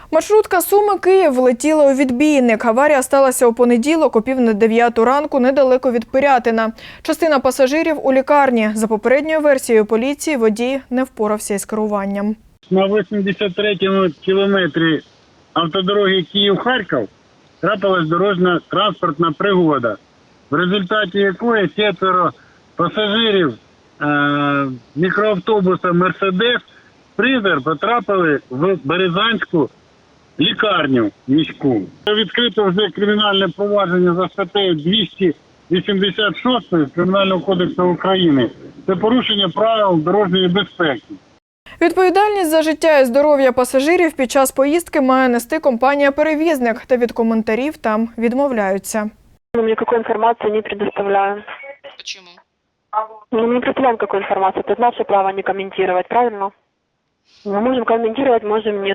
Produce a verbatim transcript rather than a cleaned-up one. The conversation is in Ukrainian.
Маршрутка Суми-Київ влетіла у відбійник. Аварія сталася у понеділок о пів на дев'яту ранку недалеко від Пирятина. Частина пасажирів у лікарні. За попередньою версією поліції, водій не впорався із керуванням. На вісімдесят третьому кілометрі автодороги Київ-Харків трапилась дорожньо-транспортна пригода, в результаті якої четверо пасажирів е мікроавтобуса «Мерседес» Призер потрапили в Березанську лікарню міську. Відкрито вже кримінальне провадження за статтею двісті вісімдесят шість Кримінального кодексу України. Це порушення правил дорожньої безпеки. Відповідальність за життя і здоров'я пасажирів під час поїздки має нести компанія-перевізник, та від коментарів там відмовляються. Мы никакой информации не предоставляем. Почему? Ну, мы не представляем, какую информацию. Это наше право не комментировать, правильно? Мы можем комментировать, можем нет.